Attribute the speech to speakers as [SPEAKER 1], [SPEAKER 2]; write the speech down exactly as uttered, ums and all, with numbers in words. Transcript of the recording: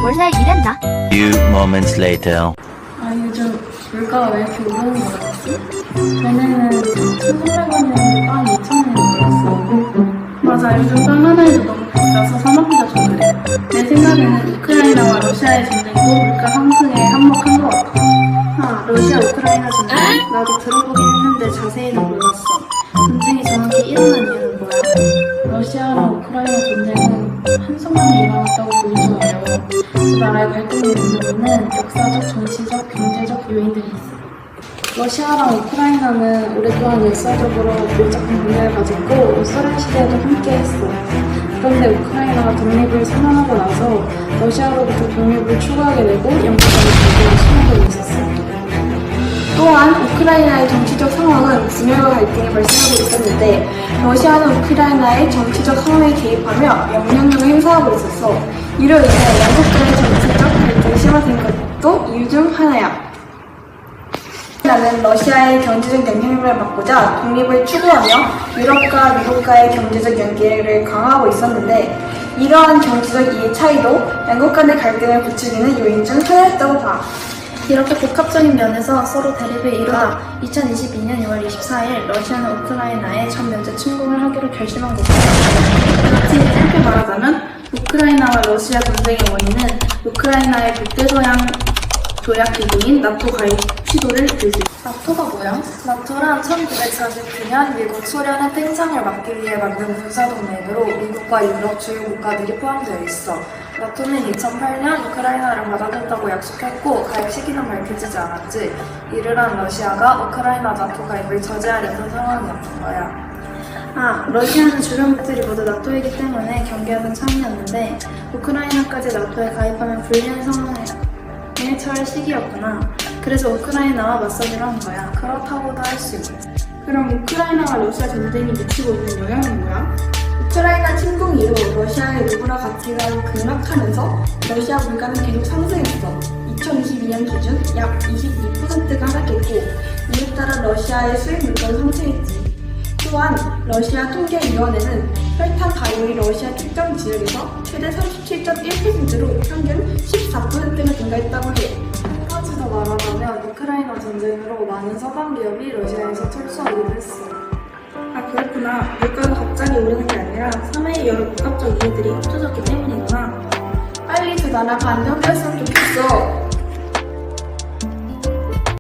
[SPEAKER 1] 원래 이랬나?
[SPEAKER 2] Few moments later.
[SPEAKER 3] 아, 요즘 물가가 왜 이렇게 오르는 거 같지? 전에는 천삼백 원이었는데 빵 이천 원이 올랐어. 맞아, 요즘 빵 하나에도 너무 비싸서 사 먹기가 좀 그래. 내 생각에는 우크라이나와 러시아의 전쟁도 물가 상승에 한몫한 것 같아. 아, 러시아 우크라이나 전쟁? 나도 들어보긴 했는데 자세히는 몰랐어. 전쟁이 정확히 일어난 이유는 뭐야? 러시아랑 우크라이나 전쟁은 한순간에 일어났다고 보기 좀 어려워. 두 나라의 갈등을 이유는 역사적, 정치적, 경제적 요인들이 있어. 러시아랑 우크라이나는 오랫동안 역사적으로 밀접한 관계를 가졌고 소련 시대에도 함께했어. 그런데 우크라이나가 독립을 선언하고 나서 러시아로부터 독립을 추구하게 되고 영국과의 관계가 심화되고 있었어. 또한 우크라이나의 정치적 상황은 분열과 갈등이 발생하고 있었는데 러시아는 우크라이나의 정치적 상황에 개입하며 영향력을 행사하고 있었어. 이로 인해 양국 간의 정치적 갈등이 심화된 것도 이유 중 하나야. 우크라이나는 러시아의 경제적 영향력을 막고자 독립을 추구하며 유럽과 미국과의 경제적 연계를 강화하고 있었는데 이러한 정치적 이해 차이도 양국 간의 갈등을 부추기는 요인 중 하나였다고 봐. 이렇게 복합적인 면에서 서로 대립을 이루다 이천이십이 년 유월 이십사일 러시아는 우크라이나에 전 면제 침공을 하기로 결심한 거다. 그렇지, 짧게 말하자면 우크라이나와 러시아 전쟁의 원인은 우크라이나의 북대서양 조약 기구인 나토 가입 시도를 들 수 있다. 나토가 뭐야? 나토란 천구백사십구 년 미국 소련의 팽창을 막기 위해 만든 군사동맹으로 미국과 유럽 주요 국가들이 포함되어 있어. 나토는 이천팔 년 우크라이나를 받아들였다고 약속했고 가입 시기는 밝혀지지 않았지. 이를 한 러시아가 우크라이나 나토 가입을 저지하려는 상황이었던 거야. 아, 러시아는 주변국들이 모두 나토이기 때문에 경계하는 참이었는데 우크라이나까지 나토에 가입하면 불리한 상황에 처할 시기였구나. 그래서 우크라이나와 맞서기로 한 거야. 그렇다고도 할 수 있지. 그럼 우크라이나와 러시아 전쟁이 미치고 있는 영향은 뭐야? 우크라이나 침공 이후 러시아의 루블화 가치가 급락하면서 러시아 물가는 계속 상승했어. 이천이십이 년 기준 약 이십이 퍼센트가 하락했고 이에 따라 러시아의 수입 물가도 상승했지. 또한 러시아 통계위원회는 혈탄 가율이 러시아 특정 지역에서 최대 삼십칠 점 일 퍼센트로 평균 십사 퍼센트가 증가했다고 해. 한 가지 더 말하자면 우크라이나 전쟁으로 많은 서방 기업이 러시아에서 철수하기도 했어. 아, 그렇구나. 물가가 갑자기 오르는 게 아니라 사회의 여러 복합적 이유들이 합쳐졌기 때문이구나. 빨리 두 나라가 안정되었으면 좋겠어.